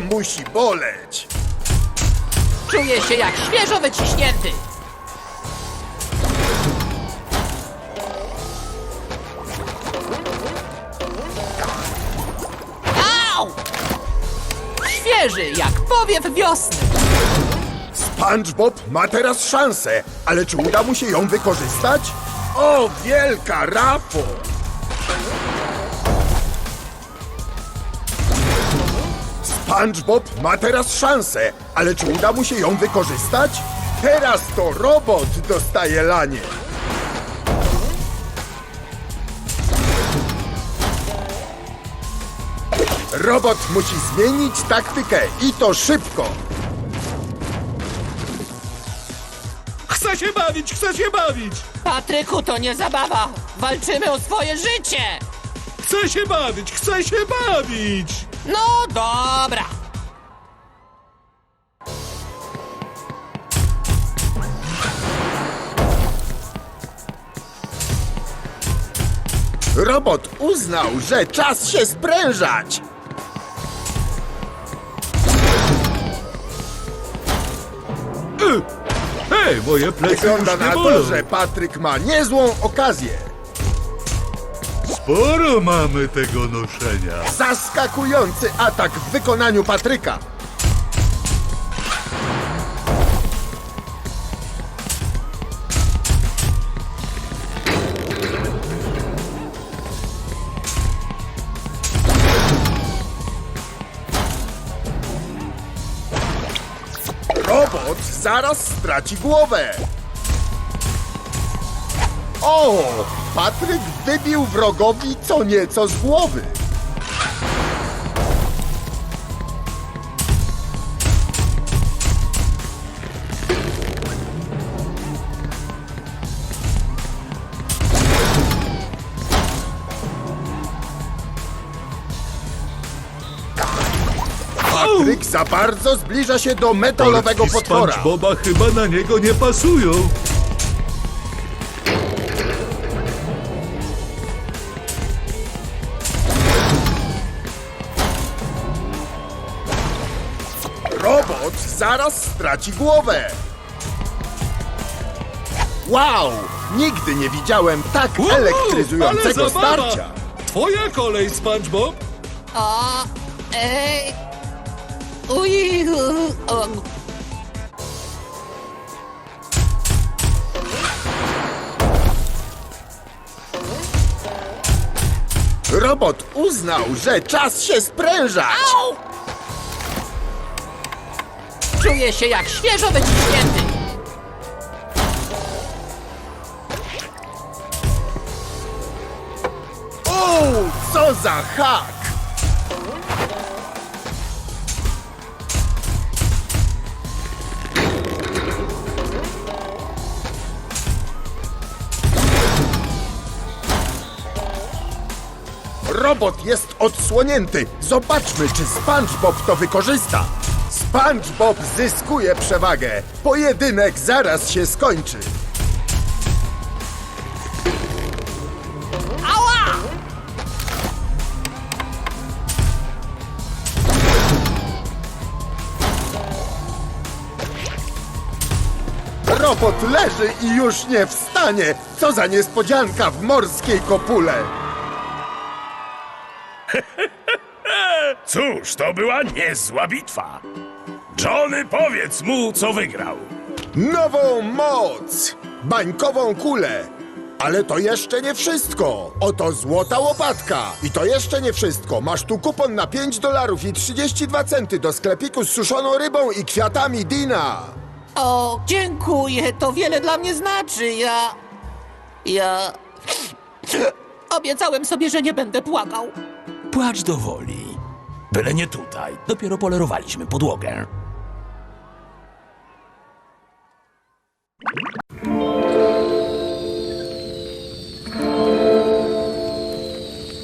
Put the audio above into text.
musi boleć! Czuję się jak świeżo wyciśnięty. Au! Świeży jak powiew wiosny. SpongeBob ma teraz szansę, ale czy uda mu się ją wykorzystać? O, wielka rafo! SpongeBob ma teraz szansę, ale czy uda mu się ją wykorzystać? Teraz to robot dostaje lanie. Robot musi zmienić taktykę i to szybko. Chcę się bawić, chcę się bawić! Patryku, to nie zabawa. Walczymy o swoje życie. Chcę się bawić, chcę się bawić! No dobra. Robot uznał, że czas się sprężać. Hej, moje plecy Wygląda już nie na bolą. to, że Patryk ma niezłą okazję. Sporo mamy tego noszenia. Zaskakujący atak w wykonaniu Patryka. Robot zaraz straci głowę. O! Patryk wybił wrogowi co nieco z głowy. Patryk za bardzo zbliża się do metalowego Korki potwora. SpongeBoba chyba na niego nie pasują. Robot zaraz straci głowę. Wow! Nigdy nie widziałem tak Wow, elektryzującego ale zabawa! starcia. Twoja kolej, SpongeBob. O, uj, o. Robot uznał, że czas się sprężać. Au! Czuję się jak świeżo wyciśnięty. O, co za hak! Robot jest odsłonięty. Zobaczmy, czy SpongeBob to wykorzysta. SpongeBob zyskuje przewagę. Pojedynek zaraz się skończy. Ała! Robot leży i już nie wstanie. Co za niespodzianka w morskiej kopule. Cóż, to była niezła bitwa. Johnny, powiedz mu, co wygrał. Nową moc! Bańkową kulę! Ale to jeszcze nie wszystko! Oto złota łopatka! I to jeszcze nie wszystko! Masz tu kupon na $5 i 32 centy do sklepiku z suszoną rybą i kwiatami Dina! O, dziękuję, to wiele dla mnie znaczy. Ja... Obiecałem sobie, że nie będę płakał. Płacz do woli. Byle nie tutaj. Dopiero polerowaliśmy podłogę.